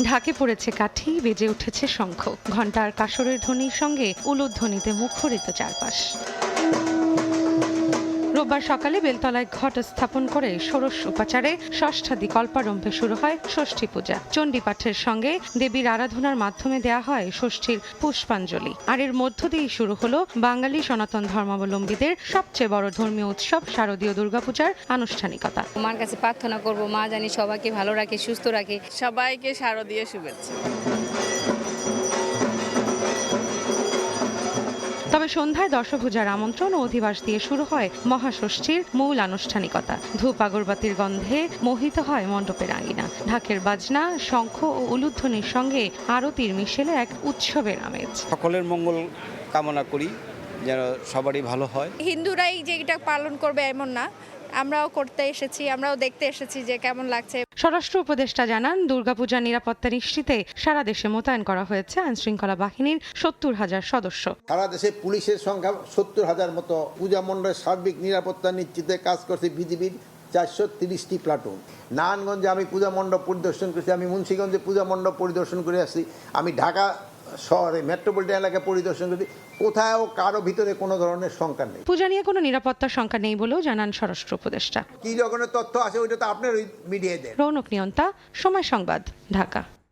ঢাকে পড়েছে কাঠি, বেজে উঠেছে শঙ্খ, ঘণ্টার কাসরের ধ্বনির সঙ্গে উলুধ্বনিতে মুখরিত চারপাশ। রোববার সকালে বেলতলায় ঘট স্থাপন করে ষোড়শ উপাচারে ষষ্ঠাদি কল্পারম্ভে শুরু হয় ষষ্ঠী পূজা। চণ্ডীপাঠের সঙ্গে দেবীর আরাধনার মাধ্যমে দেয়া হয় ষষ্ঠীর পুষ্পাঞ্জলি। আর এর মধ্য দিয়েই শুরু হলো বাঙালি সনাতন ধর্মাবলম্বীদের সবচেয়ে বড় ধর্মীয় উৎসব শারদীয় দুর্গাপূজার আনুষ্ঠানিকতা। মার কাছে প্রার্থনা করব, মা জানি সবাইকে ভালো রাখে, সুস্থ রাখে। সবাইকে শারদীয় শুভেচ্ছা। তবে সন্ধ্যায় দশভূজার আমন্ত্রণ ও অধিবাস দিয়ে শুরু হয় মহাষষ্ঠীর মূল আনুষ্ঠানিকতা। ধূপ আগরবাতির গন্ধে মোহিত হয় মণ্ডপের আঙিনা। ঢাকের বাজনা, শঙ্খ ও উলুধ্বনির সঙ্গে আরতির মিশেলে এক উৎসবের আমেজ। সকলের মঙ্গল কামনা করি, যেন সবারই ভালো হয়। হিন্দুরাই যে এটা পালন করবে এমন না, আমরাও করতে এসেছি, আমরাও দেখতে এসেছি যে কেমন লাগছে। স্বরাষ্ট্র উপদেষ্টা জানান, দুর্গাপূজার নিরাপত্তা নিশ্চিতে সারা দেশে মোতায়েন করা হয়েছে আইনশৃঙ্খলা বাহিনীর 70,000 সদস্য। সারা দেশে পুলিশের সংখ্যা 70,000 মতো। পূজা মণ্ডলের সার্বিক নিরাপত্তা নিশ্চিতে কাজ করছে বিজিবির 430টি প্লাটুন। নারায়ণগঞ্জে আমি পূজা মণ্ডপ পরিদর্শন করেছি, আমি মুন্সিগঞ্জে পূজা মণ্ডপ পরিদর্শন করে আসছি, আমি ঢাকা শহরে মেট্রোপলিটন এলাকা পরিদর্শন করেছি। কোথাও কারো ভিতরে কোনো ধরনের শঙ্কা নেই। পূজা নিয়ে কোনো নিরাপত্তার শঙ্কা নেই বলেও জানান স্বরাষ্ট্র উপদেষ্টা। কি রকমের তথ্য আছে ওইটা তো আপনার ওই মিডিয়ায় দেন। রৌনক নিয়ন্তা, সময় সংবাদ, ঢাকা।